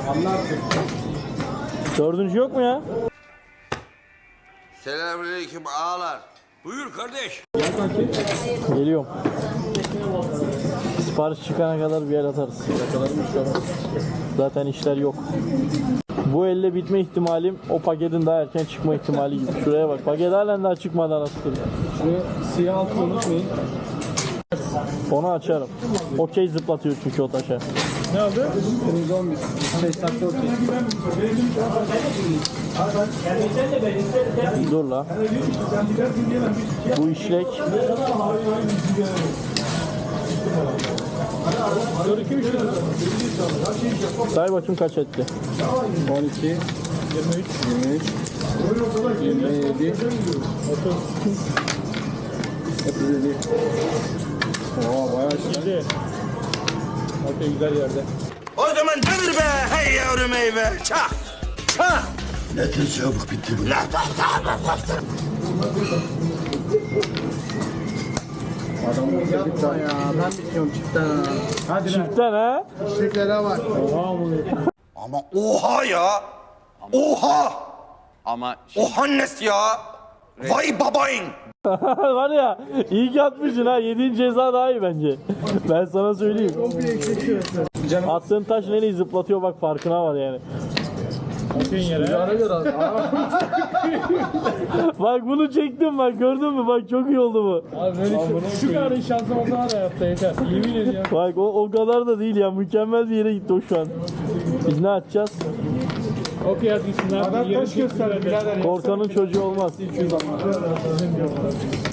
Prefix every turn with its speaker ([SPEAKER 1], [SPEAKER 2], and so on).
[SPEAKER 1] Dördüncü yok mu ya?
[SPEAKER 2] Selamünaleyküm ağalar. Buyur kardeş.
[SPEAKER 1] Geliyorum. Sipariş çıkana kadar bir el atarız. Zaten işler yok. Bu elle bitme ihtimalim o paketin daha erken çıkma ihtimali gibi. Şuraya bak. Paket halen daha çıkmadan asılır.
[SPEAKER 3] Şuraya siyah altı unutmayın.
[SPEAKER 1] Onu açarım. Okey zıplatıyor çünkü o taşa.
[SPEAKER 3] Ne oldu? Kırmızı 11. 5 dakika okey.
[SPEAKER 1] Dur la. Bu işlek.
[SPEAKER 3] 4-2-3.
[SPEAKER 1] Say bakayım kaç etti.
[SPEAKER 3] 12, 23, 27, 30, 37. Oo bayağı şimdi. Okey güzel yerde.
[SPEAKER 2] O zaman dönür be hey yavrum eyve. Çak. Çak.
[SPEAKER 4] Ne tür çabuk bitti bu.
[SPEAKER 3] Adam yapma ya. Ben bitiyorum çiftten. Hadi
[SPEAKER 1] Çiftten ha?
[SPEAKER 3] Çiftlere bak. Oha bu.
[SPEAKER 2] Ama oha ya. Oha.
[SPEAKER 5] Ama
[SPEAKER 2] Oha nes ya. Vay babayın.
[SPEAKER 1] Var ya iyi ki atmışsın ha. Yediğin ceza daha iyi bence. Ben sana söyleyeyim. Attığın taş nereyi zıplatıyor bak farkına var yani. Bak bunu çektim bak gördün mü bak çok iyi oldu bu.
[SPEAKER 3] Abi böyle şu kadar şansım olsa var hayatta yeter. Yemin ediyorum.
[SPEAKER 1] Bak o kadar da değil ya mükemmel bir yere gitti o şu an. Biz ne atacağız?
[SPEAKER 3] Okey hadi gitsinler. Adam taş gösterdi birader.
[SPEAKER 1] Korkanın çocuğu olmaz.
[SPEAKER 3] 200 ama.